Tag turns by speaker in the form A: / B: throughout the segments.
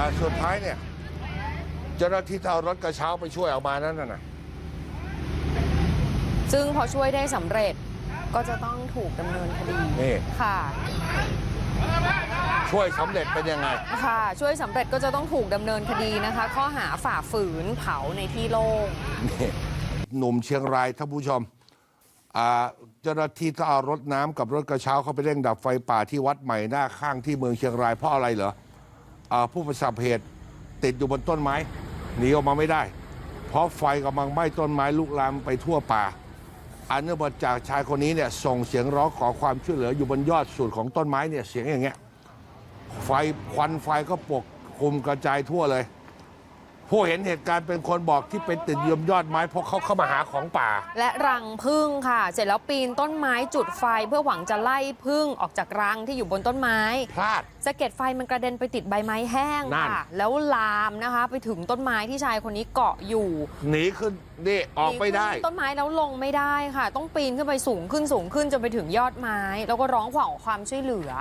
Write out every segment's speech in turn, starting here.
A: สุดท้ายเนี่ยเจ้าหน้าที่เอารถกระเช้าไปช่วยออกมานั่นน่ะ
B: ซึ่งพอช่วยได้สำเร็จก็จะต้องถูกดำเนินคดี
A: นี่
B: ค่ะ
A: ช่วยสำเร็จเป็นยังไง
B: ค่ะช่วยสำเร็จก็จะต้องถูกดำเนินคดีนะคะ ข้อหาฝ่าฝืนเผาในที่โล่ง
A: นี่หนุ่มเชียงรายท่านผู้ชมเจ้าหน้าที่ต้องเอารถน้ำกับรถกระเช้าเข้าไปเร่งดับไฟป่าที่วัดใหม่หน้าข้างที่เมืองเชียงรายเพราะอะไรเหรอผู้ประสบเหตุติดอยู่บนต้นไม้หนีออกมาไม่ได้ เพราะไฟกำลังไหม้ต้นไม้ลุกลามไปทั่วป่าอันเนื่องมาจากชายคนนี้เนี่ยส่งเสียงร้องขอความช่วยเหลืออยู่บนยอดสุดของต้นไม้เนี่ยเสียงอย่างเงี้ยไฟควันไฟก็ปกคลุมกระจายทั่วเลยผู้เห็นเหตุการณ์เป็นคนบอกที่ไปติดยมยอดไม้เพราะเขาเข้ามาหาของป่า
B: และรังผึ้งค่ะ เสร็จแล้วปีนต้นไม้จุดไฟเพื่อหวังจะไล่ผึ้งออกจากรังที่อยู่บนต้นไม้
A: พลาด
B: สะเก็ดไฟมันกระเด็นไปติดใบไม้แห้งค่ะแล้วลามนะคะไปถึงต้นไม้ที่ชายคนนี้เกาะอยู่
A: หนีขึ้นนี่ออกไม่ได้
B: ต้นไม้แล้วลงไม่ได้ค่ะ ต้องปีนขึ้นไปสูงขึ้นจนไปถึงยอดไม้แล้วก็ร้องขอความช่วยเหลือ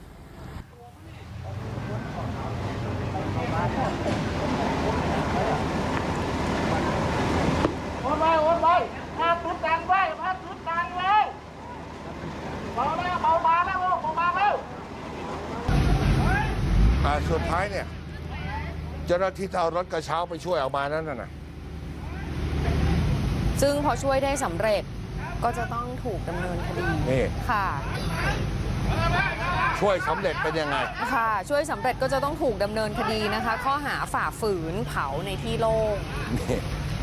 C: โอนไปพาตุ๊ดดังไว้พาตุ๊ดดังเลยเบาแล้วเบามาแล้วเบามาแล้ว
A: สุดท้ายเนี่ยเจ้าหน้าที่เอารถกระเช้าไปช่วยออกมานั่นน่ะ
B: ซึ่งพอช่วยได้สำเร็จก็จะต้องถูกดำเนินคดี
A: นี่
B: ค่ะ
A: ช่วยสำเร็จเป็นยังไง
B: ค่ะช่วยสำเร็จก็จะต้องถูกดำเนินคดีนะคะ ข้อหาฝ่าฝืนเผาในที่โล่ง
A: นี่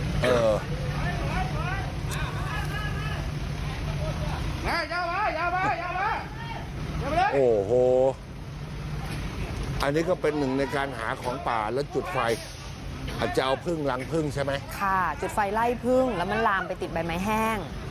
A: โอ้โหอันนี้ก็เป็นหนึ่งในการหาของป่าแล้วจุดไฟอาจจะเอาพึ่งรังพึ่งใช่ไหม
B: ค่ะจุดไฟไล่ผึ้งแล้วมันลามไปติดใบไม้แห้ง